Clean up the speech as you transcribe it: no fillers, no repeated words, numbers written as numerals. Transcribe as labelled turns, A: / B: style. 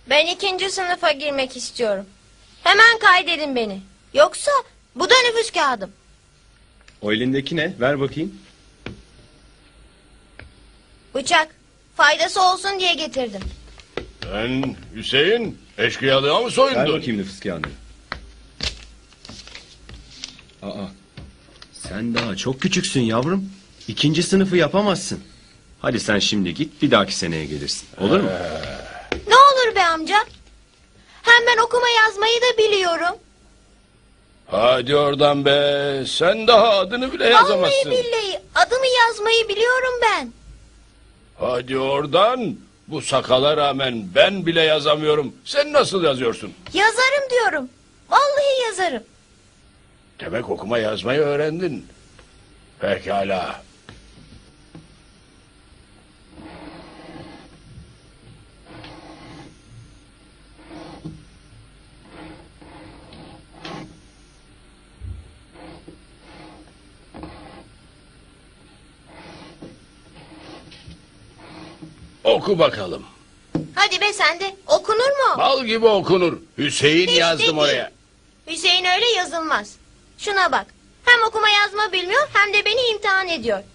A: Ben 2. sınıfa girmek istiyorum. Hemen kaydedin beni. Yoksa bu da nüfus kağıdım.
B: O elindeki ne? Ver bakayım.
A: Bıçak. Faydası olsun diye getirdim.
C: Sen Hüseyin eşkıyalığa mı
B: Ver
C: soyundun?
B: bakayım nüfus kağıdını. Aa, sen daha çok küçüksün yavrum. 2. sınıfı yapamazsın. Hadi sen şimdi git, bir dahaki seneye gelirsin. Olur mu?
A: Ne olur be amca. Hem ben okuma yazmayı da biliyorum.
C: Hadi oradan be. Sen daha adını bile yazamazsın.
A: Vallahi billahi adımı yazmayı biliyorum ben.
C: Hadi oradan. Bu sakala rağmen ben bile yazamıyorum. Sen nasıl yazıyorsun?
A: Yazarım diyorum. Vallahi yazarım.
C: Demek okuma yazmayı öğrendin. Pekala. Oku bakalım.
A: Hadi be sen de. Okunur mu?
C: Bal gibi okunur. Hüseyin
A: Hiç
C: yazdım
A: değil.
C: oraya.
A: Hüseyin öyle yazılmaz. Şuna bak. Hem okuma yazma bilmiyor hem de beni imtihan ediyor.